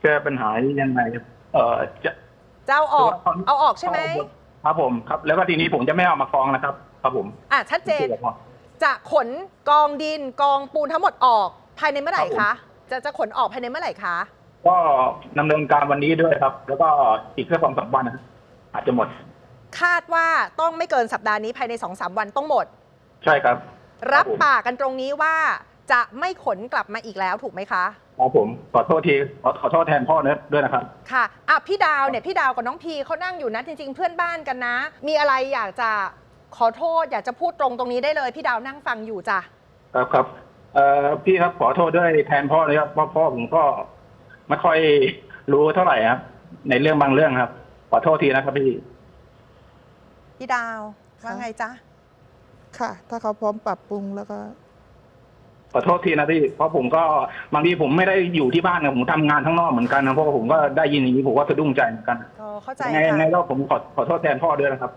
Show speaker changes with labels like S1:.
S1: ก้ปัญหายังไงจะ
S2: จะเอาออก
S1: คือว่า
S2: เอาออกใช่ไหม
S1: ครับผมครับแล้วก็ทีนี้ผมจะไม่เอามาฟ้องนะครับครับผม
S2: ชัดเจนจะขนกองดินกองปูนทั้งหมดออกภายในเมื่อไหร่คะจะขนออกภายในเมื่อไหร่คะ
S1: ก็ดำเนินการวันนี้ด้วยครับ แล้วก็อีกแค่2-3 วันนะครับอาจจะหมด
S2: คาดว่าต้องไม่เกินสัปดาห์นี้ภายใน 2-3 วันต้องหมด
S1: ใช่ครับ
S2: รับปากกันตรงนี้ว่าจะไม่ขนกลับมาอีกแล้วถูกไหมคะ
S1: ครับผมขอโทษทีขอโทษแทนพ่อเนิร์ดด้วยนะครับ
S2: ค่ะพี่ดาวเนี่ยพี่ดาวกับน้องพีเขานั่งอยู่นะจริงๆเพื่อนบ้านกันนะ มีอะไรอยากจะขอโทษอยากจะพูดตรงนี้ได้เลยพี่ดาวนั่งฟังอยู่จ้ะ
S1: ครับพี่ครับขอโทษด้วยแทนพ่อเลยครับเพราะพ่อผมก็ไม่ค่อยรู้เท่าไหร่ครับ ในเรื่องบางเรื่องครับ ขอโทษทีนะครับพี่
S2: พี่ดาวว่าไงจ๊ะ
S3: ค่ะ ถ้าเขาพร้อมปรับปรุงแล้วก็
S1: ขอโทษทีนะพี่เพราะผมก็บางทีผมไม่ได้อยู่ที่บ้านนะผมทำงานข้างนอกเหมือนกันนะเพราะว่าผมก็ได้ยินอย่างนี้ผมก็สะดุ้งใจเหมือนกัน
S2: เข้าใจ
S1: ใน
S2: ค่ะ
S1: รอบผมขอโทษแทนพ่อด้วยนะครับ